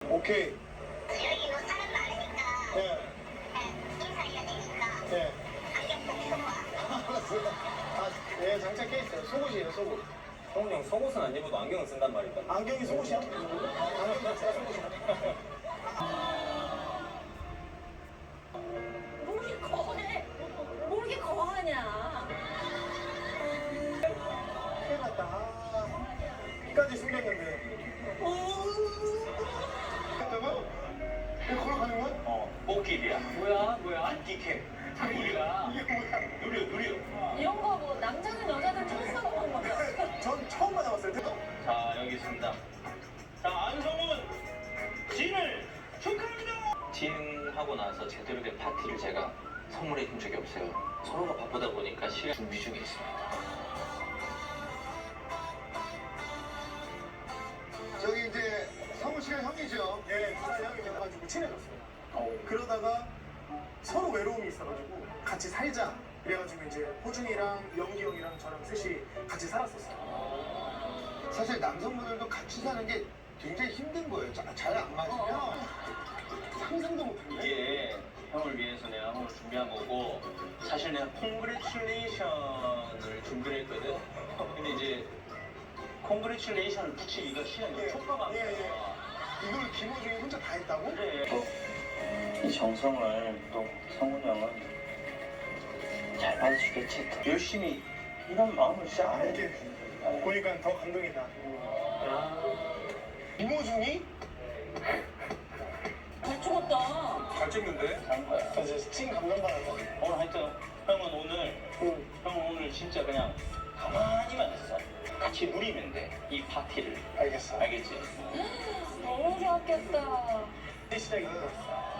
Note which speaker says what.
Speaker 1: 오케이.
Speaker 2: 여기 뭐 사람 많으니까
Speaker 1: 예.
Speaker 2: 인사해야 되니까
Speaker 1: 예.
Speaker 2: 안경 꼭 쓰고 와.
Speaker 1: 알았어요. 아, 예, 장착 깨있어요. 속옷이에요, 속옷.
Speaker 3: 성훈이 형 속옷은 안 입어도 안경은 쓴단 말이다.
Speaker 1: 안경이 속옷이야? 안경 자체가 속옷이야?
Speaker 4: 뭘 이렇게 거해? 뭘 이렇게 거하냐?
Speaker 1: 큰일 났다. 아, 끝까지 숨겼는데. 했다가? 이거 걸어가는 거야?
Speaker 3: 꽃길이야. 뭐야? 안티캠. 우리가
Speaker 1: 이게 뭐야?
Speaker 3: 누려.
Speaker 4: 이런 거 뭐 남자든 여자든 천사가 하는 거야.
Speaker 1: 전 처음 받아봤어요.
Speaker 3: 자, 여기 있습니다. 자, 안성훈 진을 축하합니다. 진하고 나서 제대로 된 파티를 제가 선물해 준 적이 없어요. 서로가 바쁘다 보니까 시간 준비 중에 있습니다.
Speaker 1: 저기 이제 성우 씨가 형이죠. 예, 누나 형이 돼가지고 친해졌어요. 그러다가 서로 외로움이 있어가지고 같이 살자. 그래가지고 이제 호준이랑 영기 형이랑 저랑 셋이 같이 살았었어요. 사실 남성분들도 같이 사는 게 굉장히 힘든 거예요. 잘 안 맞으면 상상도 못하는데.
Speaker 3: 이게 형을 위해서 내가 오늘 준비한 거고 사실 내가 콩그레츄레이션을 준비를 했거든. 근데 이제 콩그레츄레이션을 붙이기가 시간이 촉박한 거야.
Speaker 1: 이걸 김호중이 혼자 다 했다고?
Speaker 3: 그래. 이 정성을 또 성훈이 형은 잘 받아주겠지. 열심히 이런 마음을 진짜 안 해.
Speaker 1: 이렇게 보니까 더 감동이다. 김호중이?
Speaker 4: 잘 죽었다.
Speaker 1: 잘 찍는데?
Speaker 3: 한 거야.
Speaker 1: 저 이제 찐 감동받았어.
Speaker 3: 오늘 하여튼 형은 오늘 진짜 그냥 가만히만 있어. 같이 누리면 돼. 이 파티를.
Speaker 1: 알겠어.
Speaker 3: 알겠지?
Speaker 4: 너무 좋았겠다.
Speaker 1: 시작이 됐어.